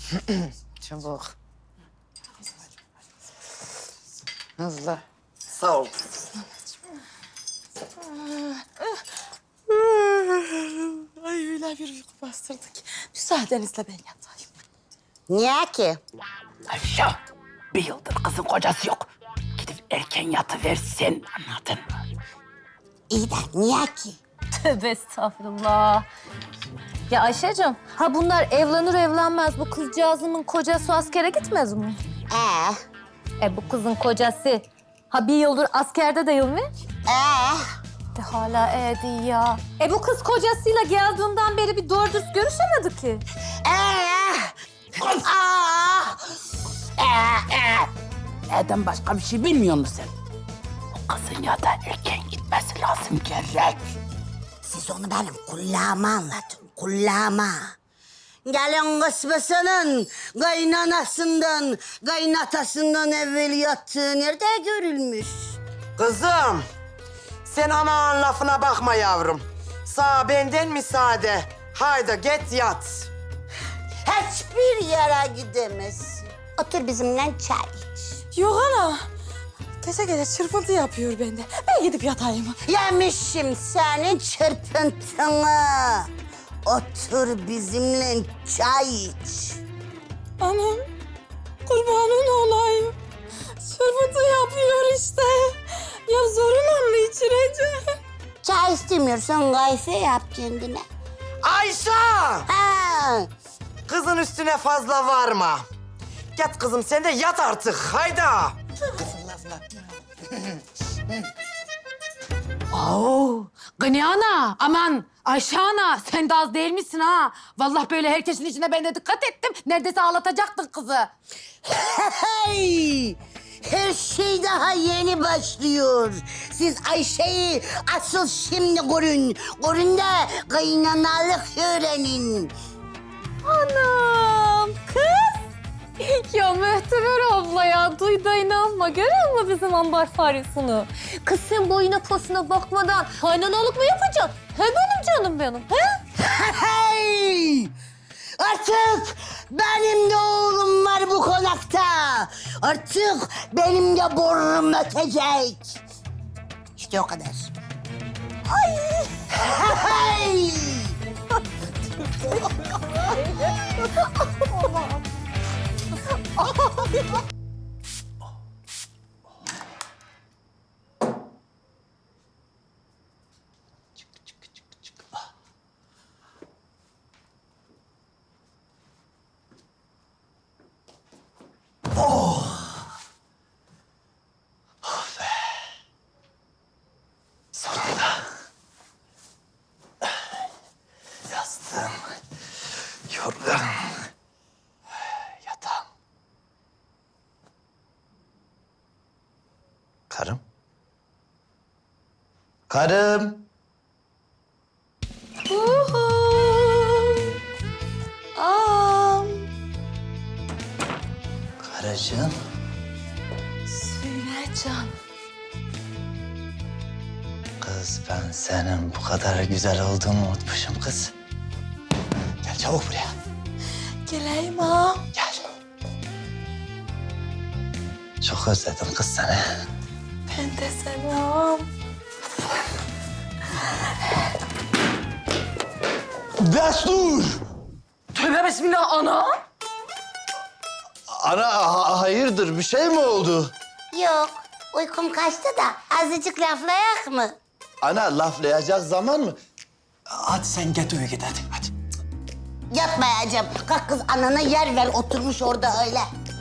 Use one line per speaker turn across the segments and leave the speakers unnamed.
Çabuk. Hızlı.
Sağ ol.
Ay öyle bir uyku bastırdı ki. Müsaadenizle ben yatayım.
Niye ki?
Ayşe, bir yıldır kızın kocası yok. Gidip erken yatıversin, anladın mı?
İyi de niye ki?
Tövbe estağfurullah. Ya Ayşe'cim, ha bunlar evlenir evlenmez bu kızcağızımın kocası askere gitmez mi? Bu kızın kocası ha bir yıldır askerde değil mi? De hala değil ya. Bu kız kocasıyla geldiğinden beri bir doğru dürüst görüşemedi ki.
Neden başka bir şey bilmiyor musun sen? O kızın ya da erken gitmesi lazım gerek.
Siz onu benim kulağıma anlatın, kulağıma. Gelin kısmısının kaynanasından, kaynatasından evvel yattığı nerede görülmüş?
Kızım, sen aman lafına bakma yavrum. Sağ benden müsaade. Haydi git yat.
Hiçbir yere gidemezsin. Otur bizimle çay iç.
Yok ana. Gece gece çırpıntı yapıyor bende. Ben gidip yatayım.
Yemişim senin çırpıntını. Otur bizimle çay iç.
Anam, kurbanın olayım. Çırpıntı yapıyor işte. Ya zoruna mı içireceğim?
Çay istemiyorsan kahve yap kendine.
Ayşe!
Ha.
Kızın üstüne fazla varma. Git kızım sen de yat artık. Hayda.
Oo, Gani ana, aman Ayşe ana sen de az değil misin ha? Vallahi böyle herkesin içine ben de dikkat ettim. Neredeyse ağlatacaktın kızı.
Hey! Her şey daha yeni başlıyor. Siz Ayşe'yi asıl şimdi görün. Görün de kaynanalık öğrenin.
Anam kız. Ya Mühteber abla ya duyda inanma. Görüyor musun bizim ambar faresini? Kız sen boyuna posuna bakmadan kaynanalık mı yapacaksın? He benim canım benim he?
Hey! Artık benim de oğlum var bu konakta. Artık benim de borum ötecek. İşte o kadar. Hey!
Yastığım, yorganım, yatağım. Karım? Karım! Karıcığım.
Söyle can.
Kız ben senin bu kadar güzel olduğunu unutmuşum kız. Gel çabuk buraya.
Geleyim ha.
Gel. Çok özledim kız seni.
Ben de selam.
Destur!
Tövbe bismillah ana.
Ana hayırdır bir şey mi oldu?
Yok, uykum kaçtı da azıcık laflayak mı?
Ana laflayacak zaman mı? Hadi sen git uyu git hadi.
Yapmayacağım. Kalk kız anana yer ver oturmuş orada öyle.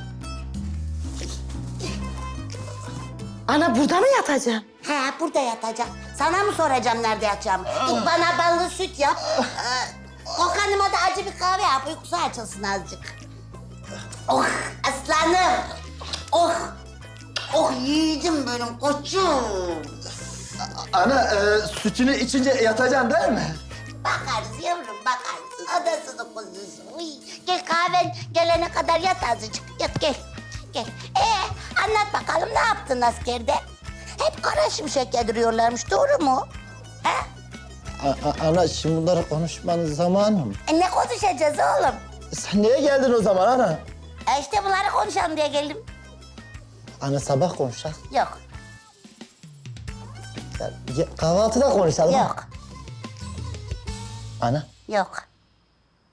Ana burada mı yatacağım?
Ha burada yatacağım. Sana mı soracağım nerede yatacağımı? Git bana ballı süt yap. Okan'ıma da acı bir kahve yap. Uykusu açılsın azıcık. Oh aslanım. Oh. Oh yiğidim benim koçum.
Ana sütünü içince yatacaksın değil mi?
Bakarız yavrum bakarız. Odasını kuzusu. Uy. Gel kahven gelene kadar yat azıcık. Yat gel. Gel. Anlat bakalım ne yaptın askerde? Hep kara şimşek yediriyorlarmış doğru mu? Ha?
Ana şimdi bunları konuşmanın zamanı mı?
Ne konuşacağız oğlum?
Sen niye geldin o zaman ana?
İşte bunları konuşalım diye geldim.
Ana sabah konuşacağız.
Yok,
Kahvaltıda konuşalım.
yok,
Ana
yok.